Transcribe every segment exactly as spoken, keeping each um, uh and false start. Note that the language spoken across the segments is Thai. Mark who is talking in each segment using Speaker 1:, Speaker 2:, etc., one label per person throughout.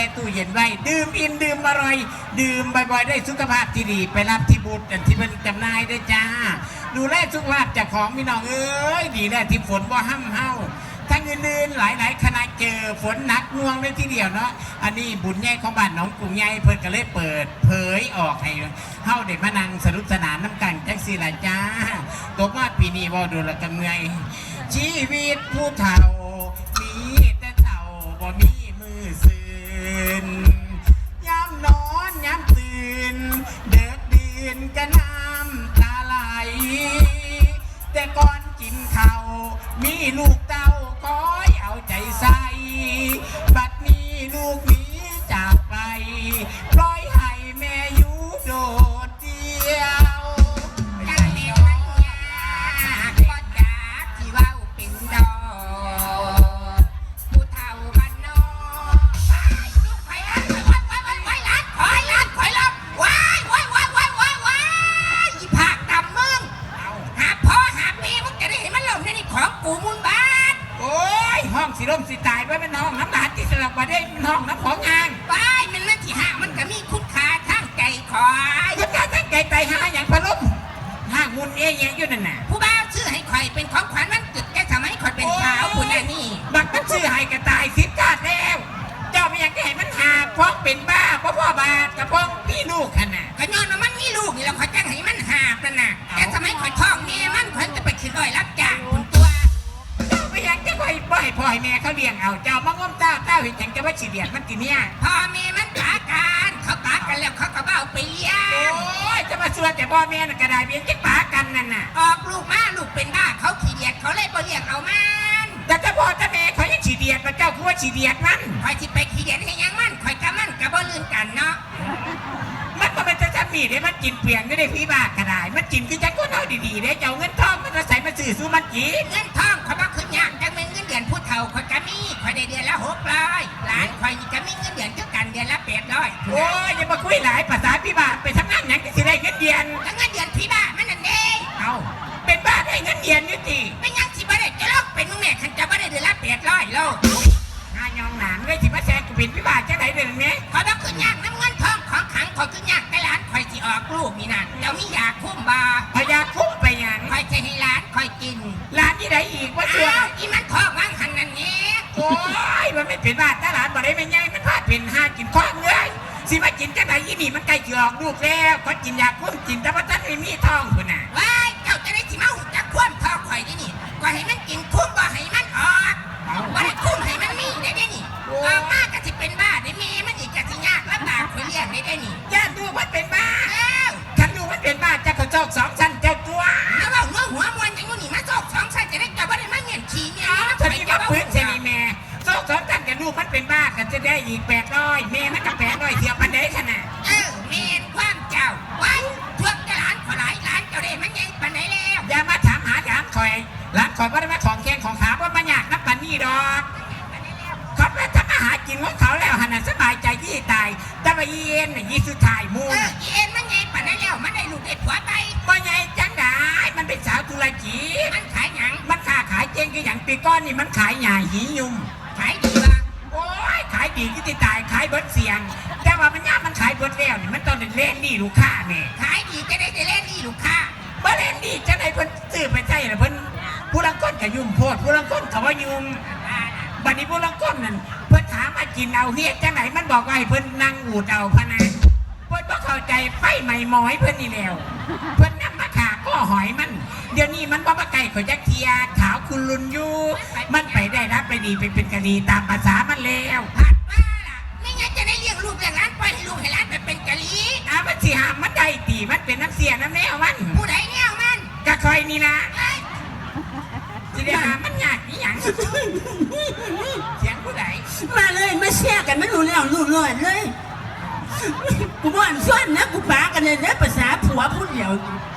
Speaker 1: ช่ตู้เย็นไว้ดื่มอิ่มดื่มอร่อยดื่มบ่อยๆได้สุขภาพที่ดีไปรับที่บูธที่เป็นจำหน่ายได้จ้าดูแลสุขภาพจากของพี่น้องเอ้ยดีแล้วที่ฝนบ่ห้ำเฮาทั้งอื่นๆหลายๆคณะเจอฝนหนักง่วงเลยทีเดียวเนาะอันนี้บุญใหญ่ของบ้านหนองกรุงใหญ่เพิ่นก็เลยเปิดเผยออกให้เฮาได้มานั่งสนุกสนานน้ำกันจังซี่ล่ะจ้าตกมาปีนี้บ่ดูละกันเมื่อยชีวิตผู้เฒ่ามีแต่เฒ่าบ่มีมือซื่นยามนอนยามตื่นเด็กดื่นก็น้ำตาไหลแต่ก่อนกินข้าวมีลูกเต้าคอยเอาใจใส่บัดนี้ลูกหนีจากไปปล่อยให้แม่อยู่โดดเดี่ยว
Speaker 2: จังเด็กมันยากบ่จากที่เว้าเป็นดอกผู้เฒ่าบ้านนอกไปลูกไปล้านไปไปไปไปล้านคอยล้านคอยล้านว้ายว้ายว้ายว้ายว้ายว้ายอีผากดำมึงหาพ่อหาแม่มึงจะได้เห็นมันหล่นในนี่ของกูมูลบ้าน
Speaker 1: โอ้ยห้องสิร่มสิตายไว้เป็นห้องน้ำหลานที่สลับมาได้ห้องน้ำของงาน
Speaker 2: ไปมันนั่นที่ห้ามันก็มีคุณค่าทางใจคอย
Speaker 1: คุณค่าทางใจไตหาอย่างพะล้มห้างมุนเอ๊ยอยู่นั่นน่ะ
Speaker 2: ผู้บ่าวชื่อให้ข่อยเป็นของขวัญวันเกิดแกทำให้ข่อยเป็นสาวคุณอันนี้
Speaker 1: บักมันชื่อให้กระต่ายสิบกาดแล้วเจ้าไม่อยากให้มันหาพ้องเป็นบ้าเพราะพ่อบาดกับพ้องพี่ลูกขนาด
Speaker 2: ขย้อนว่ามันมีลูกนี่แล้วข่อยจ้างให้มันหาบนั่นน่ะแกทำให้ข่อยท้องเมียมันข่อยจะไปขึ้นดอยรับจ้างคุณตัว
Speaker 1: เจ้าไม่อยากจะไปปล่อยพ่อให้แม่เขาเลี้ยงเอาเจ้ามาง้มเจ้าเจ้าเห็นจังจะว่าฉีเดียดมันตีเนี่ย
Speaker 2: พ่อแม่มันปากันเขาปากันแล้วเขาก็เบ้าไปเลี้ยง
Speaker 1: โอ้ยจะมาชวนแต่พ่อแม่น่ะกระไดเบี้ยจะปากันนั่นน่ะ
Speaker 2: ออกลูกมาลูกเป็นบ้าเขาขี้เดียดเขาเลยบ่เลี้ยงเอามัน
Speaker 1: แต่ถ้าพ่อถ้าแม่เขายังฉีเดียดมาเจ้าคือว่าฉีเดียดมัน
Speaker 2: ข่อยที่ไปขี้เดียดให้ยังมันข่อยกับมันกับบ่ลืมกันเนาะ
Speaker 1: มันก็เป็นจะมีได้มันกินเปลี่ยนก็ได้พี่บ้ากระไดมันกินคือจะก้นเอาดีๆได้เจ้าเงินทองมันจะใส่มาสื่อสู้มันกิน
Speaker 2: เงินทองข่อยบ่ขึ้นยากจังเป็นเงินเดือนผู้เฒ่าข่อยก็มีข่อยได้เดือนละหกร้อยหลานข่อยนี่ก็มีเงินเดือนเท่ากันเดือนละแปดร้อย
Speaker 1: โอ้ยอย่ามาคุยหลายภาษาพี่บ้าไปทำงานอย่างที่สิได้เงินเดือน
Speaker 2: แล้วเงินเดือนพี่บ้ามันนั่นเอง
Speaker 1: เอาเป็นบ้าได้เงินเดือนนี่สิ
Speaker 2: ไม่ยังสิบ่ได้จะลอกเป็นมึงแม่ขันจะบ่ได้เดือนละแปดร้อยโล
Speaker 1: งานยองหนานเลยสิมาแซงกูเป็นพี่บ้าจะไหนเดือนนี้
Speaker 2: ข่อยบ่ขึ้นยากน้ำเงินทองของขังข่อยขึ้นยากแต่หลานข่อยสิออกลูกนี่นะเดี๋ยวมียาคุ้มบา
Speaker 1: พยาคุ้มไปยัง
Speaker 2: ข่อยจะให้หลานข่อยกิน
Speaker 1: หลานที่ไหนอีกว่าเชื่อ
Speaker 2: อีมันทองว่างหันนั่นนี้
Speaker 1: โอ้ยมันไม่เป็นบ้าแต่หลานบ่ได้ไม่ใหญ่มันพลาดเป็นห้ากินข้องเลยสิมากินจังไหนยี่นี่มันใกล้จะออกลูกแล้วก็กินยาคุ้มกินแต่ว่าท่านไม่มีทองคุณน่ะ
Speaker 2: ว้ายเจ้าจะได้สิมาหุ่นจะคว่ำทองข่อยนี่นี่ก็ให้มันกินคุ้มบ่ให้มันออกบ่ได้คุ้มให้มันมีได้ได้นี่ออกมาก็สิเป็นบ้าได้มีมันอีกจะสิยากลำบากข่อยเลี้ยงได้ได้นี่
Speaker 1: ย่าดูมันเป็นบ้าฉันดูมันเป็นบ้าจะเขาจอกสองชั้นเจ้าตัว
Speaker 2: แล้วว่าหัวหัวมวนอย่างนี้มาจอกสองชั้นจะได้จะบ่ได้มาเงียนขี้เนี่ย
Speaker 1: ฉันนี่มาปืนเซนีแม่จอกสองชั้นแต่ลูกมันเป็นบ้ากันจะได้อีกแปดร้อยแม่มันกับแปดร้อยเทียบมันได้ขนาด
Speaker 2: เออเมนความเจ้าวันทวงจะหลานขอหลายหลานเจ้าได้มันยังปันไหนแล้ว
Speaker 1: อย่ามาถามหาถามคอยหลานคอยว่าได้มาของแข้งของขาว่ามันยากนับปันนี่ดอกเขาไปทำอาหารกินของเขาแล้วหันสบายใจยี่ตายแต่ว่าเย็นน่ะยี่สุดท้ายมูน
Speaker 2: เย็นมันไงปันไหนแล้วมันได้ลูกได้ผัวไป
Speaker 1: ว่าไงจังได้มันเป็นสาวธุรกิจ
Speaker 2: มันขายหยัง
Speaker 1: มันค้าขายเจ๊งคืออย่างปีก้อนนี่มันขายหญ้าหิยุ่ม
Speaker 2: ขายดีว่ะ
Speaker 1: โอ้ยขายดีที่ตายขายเบิดเสียงแต่ว่ามันยากมันขายเบิดแล้วนี่มันต้องเล่นนี่ลูกค้าแม่
Speaker 2: ขายดีจะได้จะเล่นนี่ลูกค้า
Speaker 1: บ่เล่นนี่จะได้เพิ่นซื้อไปใช่หรือเพิ่นผู้ลังก้นกับยุ่มโพดผู้ลังก้นเขาว่ายุ่มบัดนี้ผู้ลังก้นนั่นเพิ่นถามมากินเอาเฮียจังไหนมันบอกว่าให้เพิ่นนั่งอูดเอาพะนะเพิ่นบ่เข้าใจไฟใหม่หมอยเพิ่นนี่แล้วเพิ่นนำมาขาก็หอยมันเดี๋ยวนี้มันบ่มาไก่ขอยจักเทียขาวคุณลุนอยู่มันไปได้รับไปดีไปเป็นกะดีตามภาษามันแล้ว
Speaker 2: ผัดว่าล่ะไม่งั้นจะได้เลี้ยงลูกเลี้ยงหลานปล่อยให้ลูกให้หลานไปเป็นกะลี
Speaker 1: อ้ามันสิหามมันได้ตีมันเป็นน้ำเสียน้ำแนวมัน
Speaker 2: ผู้ใดแนวมัน
Speaker 1: กะคอยนี่นะสิได้หามันยากอีหยังเสียงผู้ใด
Speaker 3: มาเลยมาแชร์กันไม่รู้แล้วรู้เลยเลยกูบ่อนซ้อนนะกูปากันเลยนะภาษาผัวผู้เดียว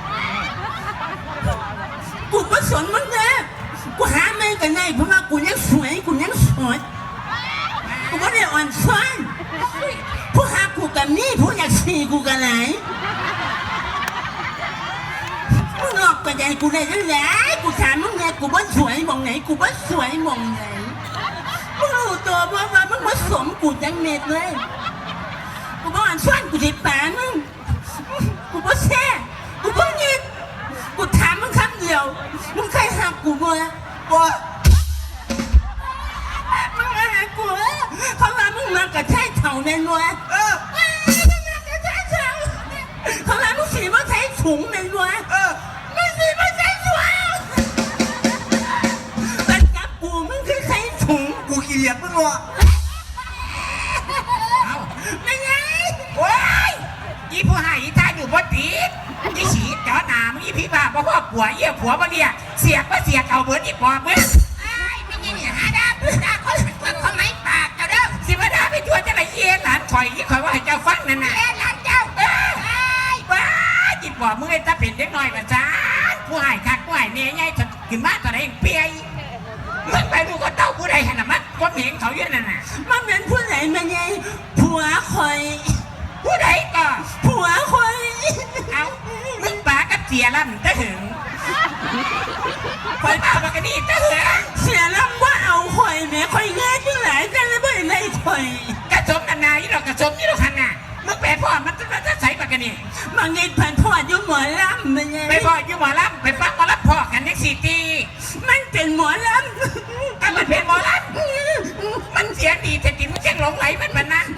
Speaker 3: กูไม่สนมึงนะกูหาไม่กันไงเพราะว่ากูยังสวยกูยังสวยกูไม่ได้อ่อนซ้อนผู้หากูกับนี่ผู้อยากสีกูกันไหนมึงออกกันใจกูได้ยังไงกูถามมึงไงกูว่าสวยมองไหนกูว่าสวยมองไหน กูมึงรู้ตัวว่าว่ามึงมาสมกูจังเม็ดเลยกูบอกอันส่วนกูจะแปะมึงกูบ่แช่กูบ่ยินกูถามมึงคำเดียวมึงเคยหักกูบ่บ่ มึงมาหากูเขาว่ามึงมากระแทกเถ่าแน่นวะเออมึงมากระแทกเถ่าเขาว่ามึงสีมาใช้ถุงแน่นวะเออมึงสีมาใช้ถุงแต่กับกูมึงคือใช้ถุงกูเกลียดมึงวะ
Speaker 1: เอ้า
Speaker 3: ไม่ไง
Speaker 1: โอ้ยอีผู้ให้อีตาอยู่บ่ติดอีฉีดเจาะหน้ามึงอีพี่บ้าบ่พ่อผัวเยี่ยผัวบ่เรียกเสียกบ่เสียกเอาเบิดอีปอบมึง
Speaker 2: ไอ้ไม่ยินเนี่ยหาดาดาคนคนคนไม่ปากเจ้าเด้อ
Speaker 1: สิมาด่าไปทั่วจะไหนเย็นหลานข่อยยี่ข่อยว่าให้เจ้าฟังนั่นน่ะ
Speaker 2: แล่หลานเจ้าไอ้
Speaker 1: ว้าจิตบอกมึงไอ้ตาเป็นเด็กน้อยมาจ้าผู้ให้คักผู้ให้เนี่ยไงฉันขึ้นมาตอนไหนเปียมึงไปดูก็เต้าผู้ใดขนาดมันก็เห็นเขาอยู่นั่นน่ะ
Speaker 3: มันเป็นผู้ไหนมาไงผัวคอย
Speaker 1: ผู้ใดก็
Speaker 3: ผัวคอย
Speaker 1: เอามึงปากับเสียลำตะหึงข่อยปาปากกันนี่ตะหึง
Speaker 3: เสียลำว่าเอาคอยแม่คอยง่ายจังหลายกันเลยไม่ได้คอย
Speaker 1: กระสมนานายี่ดอกกระสมยี่ดอกขันน่ะมึงแปลพ่อมันจะจะใส่ปากกันนี่
Speaker 3: บางไงผ่านพอดอยู่หมอลำมันไง
Speaker 1: ไปพ่ออยู่หมอลำไปฟังหมอลำพ่อกันเน็กซี่ตี
Speaker 3: มันเป็นหมอล
Speaker 1: ก็มันเป็นหมอลำมันเสียงดีแต่กินมันเสียงหลงไหลมันมันนั่น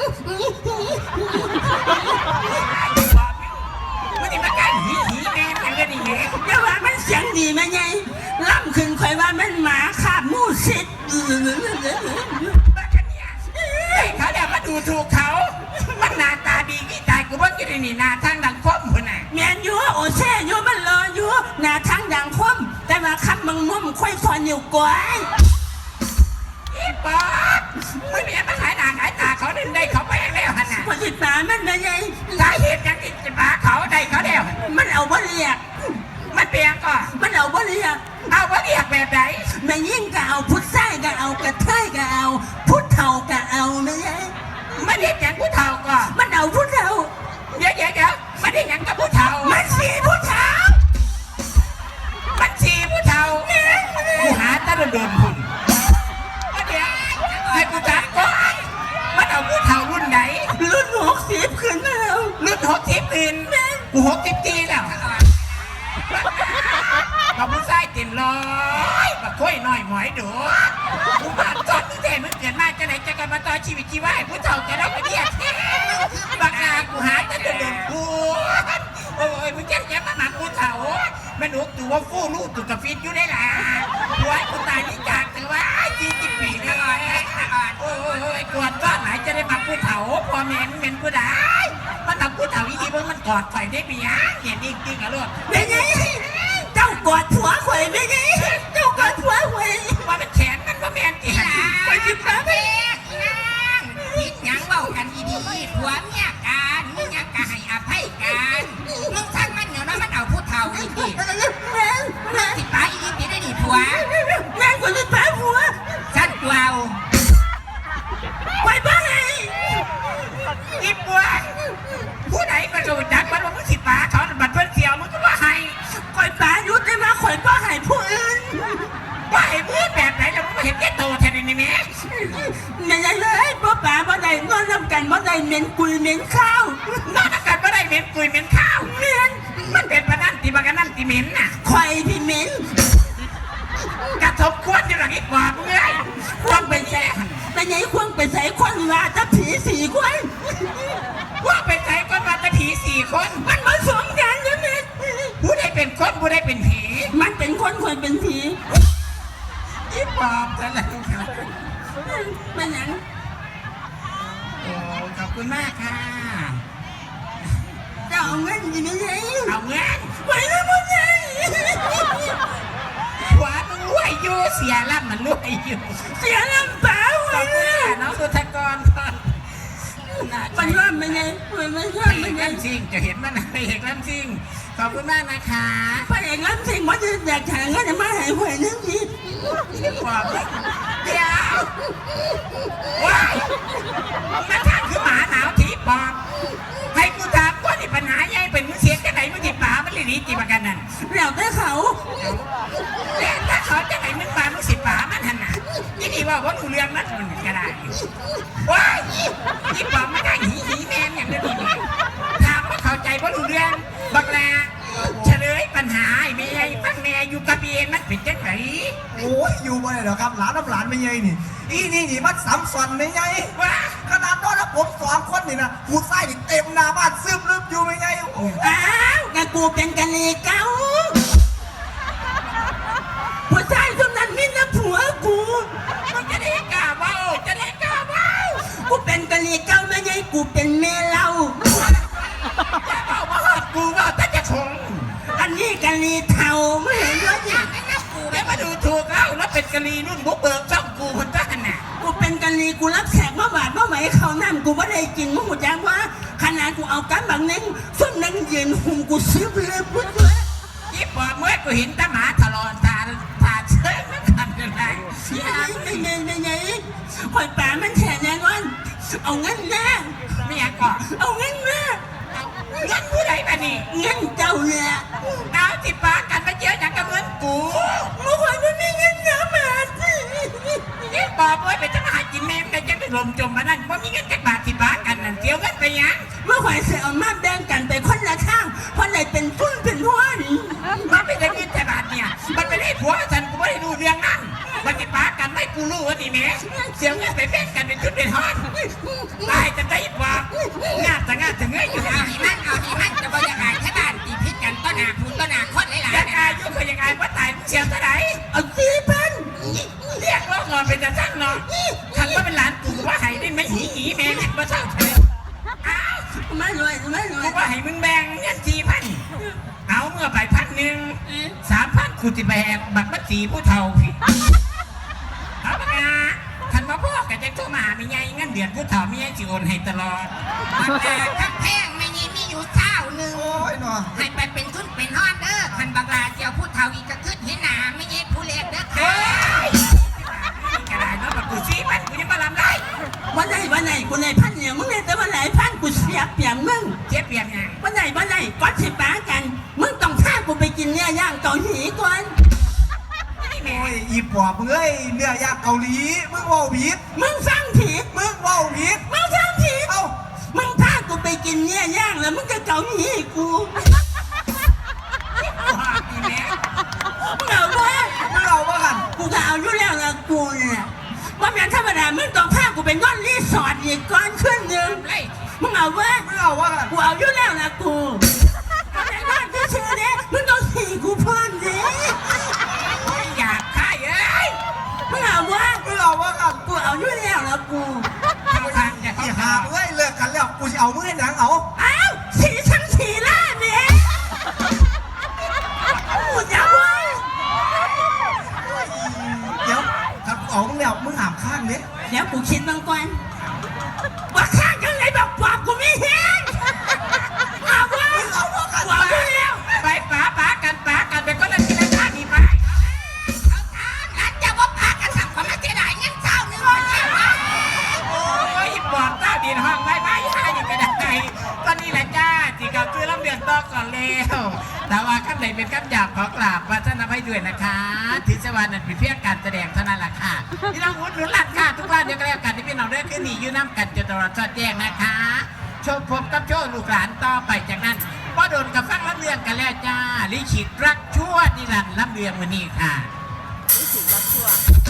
Speaker 1: มันนี่มันการหีหีแม่กันก็ดีแม่
Speaker 3: ำแต่ว่ามันเสียงดีมันไงล่ำขึ้นคอยว่ามันหมาขาบมูสิทธิ์
Speaker 1: บ้ากันเนี่ยไอ้เขาเดี๋ยวมาดูถูกเขามันหน้าตาดีกี่ตายกูว่ากินนี่หน้าทางดังคมคนน่ะ
Speaker 3: แมนอยู่โอเช่อยู่มันรออยู่หน้าทางดังคมแต่ว่าคำมังมุ่มค่อยฟอนอยู่กว่า
Speaker 1: อีป๊อปมึงเนี่ยมาขายหน้าขายตาเขาดึงได้เขาไปแล้วฮะน่ะ
Speaker 3: พอจิตตามันมันไง
Speaker 1: สาเหตุยังติดจะมาเขาได้เขาแล้ว
Speaker 3: มันเอาบ่เรียก
Speaker 1: มันเปลี่ยนก็
Speaker 3: มันเอาบ่เรียก
Speaker 1: เอาว่าเรียกแบบไหน
Speaker 3: แม่ยิ่งก็เอาพุทธไส้ก็เอากระเทยก็เอาพุทธเท่าก็เอาไม่ไง
Speaker 1: มันเรียกอย่างผู้เฒ่าก็
Speaker 3: มันเอาพุทธเท่า
Speaker 1: เดี๋ยวเดี๋ยวเดี๋ยวมันเรียกอย่างกับผู้เฒ่า
Speaker 3: มันสีพุทธเท่า
Speaker 1: มันชีผู้เฒ่ากูหาตะโดนหุ่นเดี๋ยวให้กูจักก่อนมันเอาผู้เฒ่ารุ่นไหน
Speaker 3: รุ่นหกสิบขึ้นแล้ว
Speaker 1: รุ่นหกสิบอื่นกูหกสิบปีแล้วมาผู้ชายเต็มร้อยมาค่อยหน่อยหมอยดูกูมาตอนมึงแต่มึงเกิดมาจะไหนจะกันมาต่อชีวิตชีวาให้ผู้เฒ่าจะได้ไม่เดียดบักอากูหาตะโดนกูโอ้ยมึงแก่แก่มาหนักผู้เฒ่าแม่หนูตัวฟู่ลูกตัวกระฟิตอยู่ได้ล่ะหัวกูตายนี่จากแต่ว่ายี่สิบปีแล้วโอ้ยกอดก้อนไหนจะได้มาผู้เฒ่าพอแม่เป็นผู้ใดมันทำผู้เฒ่าอีกทีมึงมันกอดใส่ได้ปีอ่ะเห็นจริงๆอ่ะลูก
Speaker 3: ไม่ไงเจ้ากอดผัวข่อยไม่ไงเจ้ากอดผัวข่อย
Speaker 1: ว่าเป็นแขนมันว่าแม่นจี
Speaker 2: หลา
Speaker 3: ข่อยจิบฟ้าไป
Speaker 2: พิดยังเบากันดีๆผัวเมียกันมึงยังกะให้อภัยกันมึงทั้งมันเดี๋ยวนะมันเอาผู้เฒ่าอีกที
Speaker 3: แม่แม่
Speaker 2: สิป้าอีกทีได้ดิผัว
Speaker 3: แม่คนที่ป้าผัว
Speaker 2: สั้นกว่า
Speaker 3: ข่อยบ้าไง
Speaker 1: อีปวดผู้ใดก็ดูจักมันว่ามึงสิป๋าถอนบัตรเพื่อนเสียวมึงก็ว่าให้
Speaker 3: ข่อยป้ายุดได้มาข่อยป้าให้ผู้อื่น
Speaker 1: ว่าให้มือแบบไหนแล้วมึงไม่เห็นแก่โตแทนนี่แม่
Speaker 3: ไม่ใช่เลยป้าป๋าบ่ได้นอนรำกันบ่ได้เหม็นกุยเหม็นข้าวน
Speaker 1: อนอากาศไม่ได้เหม็นกุยเหม็นข้าว
Speaker 3: เหม็น
Speaker 1: มันเป็นปะนั่นตีบกันนั่นตีเหม็นน่ะ
Speaker 3: ข่อยพี่เหม็น
Speaker 1: กระทบควรอยู่หลังอีกกว่ามึงเอ้ยควรเป็นแซ่
Speaker 3: แต่ไงควงไปใส่ควันว่าจะผีสี่ควัน
Speaker 1: ว่าเป็นใจก็มาแต่ผีสี่คน
Speaker 3: มันผสมกันใช่ไหม
Speaker 1: ผู้ใดเป็นคนผู้ใดเป็นผี
Speaker 3: มันเป็นคนคนเป็นผี
Speaker 1: อีปอบซะแล้ว
Speaker 3: มันยัง
Speaker 1: โอ้ขอบคุณมากค่ะ
Speaker 3: จะเอาเงินยังไง
Speaker 1: เอาเงิน
Speaker 3: ไปแล้วมันไง
Speaker 1: หัวมึงรวยอยู่เสียล่ำมันรวยอยู่
Speaker 3: เสียลำเปล่า
Speaker 1: ขอบคุณค่ะน้องสุธกรก่อน
Speaker 3: มันว่ามันไงมันไม่
Speaker 1: พ
Speaker 3: ใช่
Speaker 1: ระเอ
Speaker 3: มัน
Speaker 1: ก
Speaker 3: ไง
Speaker 1: ลำซิงจะเห็นมันพระเอกลำซิงขอบคุณมากนะคะ
Speaker 3: พระเอกลำสิงมันจะอยากหาเงินมาหายหวยนึงที
Speaker 1: อีปอบเดี๋ยวว้ายมันทางคือหมาหนาวทีปอบให้กูถามว่านี่ปัญหาใหญ่เป็นมึงเสียจะไหนมึงติดป่ามันเลยหนีจีบกันนั่น
Speaker 3: แล้วแต่เขา
Speaker 1: แต่ถ้าเขาจะไหนมึงป่ามึงสิป่ามันหันน่ะยี่ดีว่าว่าหนูเรื่องนะ
Speaker 4: ยอยู่บ่ได้หรอกครับหลานน้ำหลานไม่ใหญ่นี่อีนี่นี่มันสำสันไม่ใหญ่
Speaker 1: ว้า
Speaker 4: ขนาดตอนนั้นผมสองคนนี่นะกูไส้นี่เต็มหน้าบ้านซึมลึบอยู่ไม่ใหญ่โอ้ย
Speaker 3: อ้าวกะกูเป็นกะลีเก่าผู้ชายคนนั้นมีแต่ผัวกู
Speaker 1: มันจะได้กล้าเว้าจะได้กล้าเว้า
Speaker 3: กูเป็นกะลีเก่าไม่ใช่กูเป็นเมเหล้า
Speaker 1: อย่าเว้ามาหากูเว่าแต่จะคง
Speaker 3: อันนี้กะลีเทาไม่เห็นว่าเนี่ย
Speaker 1: กูได้มาดูถูกแล้วแล้วเป็นกะลีนุ่นบุกเบิกช่องกูคนจ้าน่ะ
Speaker 3: กูเป็นกะลีกูรับแขกมาบาดมาไหวเขานั่นกูไม่ได้กินมึงหมดยังว่าขนาดกูเอากันบางนึงส่วนนึงยืนหุ่มกูซื้อเลยปุ๊บเลย
Speaker 1: ยี่ปอบเมื่อกูเห็นตาหมาทะลอนตาตาเชิงนั่นขันกันได้
Speaker 3: ไม่ไงไม่ไงคอยป่ามันแฉแน่นอนเอาเงินแน่
Speaker 1: ไม่อยากก่อน
Speaker 3: เอาเงินแน่
Speaker 1: เอาเงินผู้ใดมานี่
Speaker 3: เงินเจ้าเนี่ย
Speaker 1: เอาสิปากันมาเยอะอย่างกับเงินกู
Speaker 3: มึงคอยไม่มีเงินเยอะมาสิ
Speaker 1: ยี่ปอบเมื่อไปจะมาหากินแม่แต่จะไปลมจมมานั่นว่ามีเงินจักบาทสิปากันนั่นเสียวเงินไปยัง
Speaker 3: เมื่อคอยเสียเอามาแบ่งกันไปคนละข้างคนไหนเป็นทุนเป็นทวน
Speaker 1: มันไม่ได้เงินจักบาทเนี่ยมันไม่ได้ผัวฉันกูไม่ได้ดูเรื่องนั้นมันสิปากันไม่กูรู้ว่านี่แม่เสียวเงินไปแบ่งกันเป็นชุดเป็นทอดตายจะได้ปอบงาจะงาจะเงยอยู่
Speaker 2: เอาอีมันเอาอีมันจะบรรยากาศแค่บ้านตีพิษกันต้นหนาคุณต้นหนาคนหลาย
Speaker 1: ยัง
Speaker 2: ๆ
Speaker 1: ไงยุคยังไงว่าตายเชียวเท่าไหร่
Speaker 3: เอาสี่พัน
Speaker 1: เรียกร้องเงินเป็นจะสั้นเนาะคันว่าเป็นหลานกูว่าให้ได้ไม่หีหีแม่งมาเศร้าเฉยอ้าว
Speaker 3: ไม่รวยไม่รว
Speaker 1: กู
Speaker 3: ย
Speaker 1: ว่าให้มึงแบ่งเงินสี่พันเอาเมื่อไปพันหนึ่งสามพันกูจะแบกบัตรบัตรสีผู้เฒ่าพี่เอาปะนะคันมาพ่อกับจะโทรมาหาไม่ไงเงินเดือนผู้เฒ่าไม่ไงสิโอนให้ตลอด
Speaker 2: บักลาทักแพงไม่มีมีอยู่เจ้าหนึ่ง
Speaker 4: โอ้ยเนาะ
Speaker 2: ให้ไปเป็นทุนเป็นฮอดเด้อคันบักลาเจียวพูดเท่าอีกก็ขึ้นเห็นหนาไม่เย็ดผู้เล็กเด้อ
Speaker 1: เฮ้
Speaker 2: ค่ะ
Speaker 1: ยกระไรเนาะบัตรกูสี่พันกูยังมาลำไร
Speaker 3: วันไหนวันไหนกูในพันเนี่ยมึงเนี่ยแต่วันไหนพันกูเสียเปรียบมึง
Speaker 1: เจ็บเปลี่ยนยัง
Speaker 3: วันไหนวันไหนก็สิป้ากัน มึงต้องพากูไปกินเนื้อย่างเกาหลีก่อน
Speaker 1: ไม่แม่
Speaker 4: โอ้ยอีปอบมึงเอ้ยเนื้อย่างเกาหลีมึงเว่าผิด
Speaker 3: มึงฟังผิด
Speaker 4: มึงเว่าผิด
Speaker 3: มึงฟังผิด
Speaker 4: เอ้า
Speaker 3: มึงพากูไปกินเนื้อย่างแล้วมึงจะเกาหลีกู
Speaker 1: ว่าพี่แม่
Speaker 3: มึงเอาวะ
Speaker 4: มึงเอาว่ากัน
Speaker 3: กูก็เอาอยู่แล้วละกูเนี่ยว่าแม่นธรรมดามึงต้องพากูไปนอนรีสอร์ทอีกก่อนขึ้นหนึ่ง
Speaker 1: ไล่
Speaker 3: มึงเอาวะ
Speaker 4: มึงเอาว่ากัน
Speaker 3: กูเอาอยู่แล้วละกูเอาไปนอนที่ชื่อเนี่ยมึงต้องสี่กูพอนดิ
Speaker 1: ไม่อยากฆ่าเอ้ย
Speaker 3: มึงเอาวะ
Speaker 4: มึงเอาว่ากัน
Speaker 3: กูเอาอยู่แล้วละกู
Speaker 1: เข้าทางจะ
Speaker 4: อี
Speaker 1: เข้า
Speaker 4: หา
Speaker 1: ทาง
Speaker 4: มึงเอ้ยเลิกกันแล้วกูจะเอามึงให้หนังเอา
Speaker 3: อ้าวสีทั้งสีล่าเนี่ยกูจะวะ
Speaker 4: เดี๋ยวถ้ากูเอามึงแล้วมึงหามข้างนี้
Speaker 3: เดี๋ยวกูคิดบางก่อนว่าข้างกันเลยบอกปอบกูไม่เห็นเอาวะ
Speaker 4: มึงเอาว่ากัน
Speaker 3: กูเอาอยู่แล้ว
Speaker 1: ไปป๋าป๋ากันป๋ากันไปก็เลยทีละท่านี่ไป
Speaker 2: เอาทางนั้นจะว่าพากันทำความไม่เสียดายเงินเจ้าหนึ่งคนแค่ว่า
Speaker 1: โอ้ยบอกเต้าดินห้องไว้ไว้ให้ยังกระไดตอนนี้แหละจ้าที่เขาซื้อลำเดือนต่อก่อนแล้วแต่ว่าคำไหนเป็นคำหยาบขอกราบพระท่านอภัยด้วยนะคะทิศวรรณนั้นเป็นเพียงการแสดงเท่านั้นแหละค่ะพี่น้องอุดหนุนหลักค่ะทุกวันเดียวกันแล้วกันที่พี่น้องได้ขึ้นนี่ยืนน้ำกันจนตลอดสอดแจ้งนะคะโชว์พบกับโชว์ลูกหลานต่อไปจากนั้นพ่อโดนกับฟังลำเรืองกันแล้วจ้าลิขิตรักชั่วนิรันดร์ลำเรืองวันนี้ค่ะ
Speaker 3: รู้สึกรักชั่ว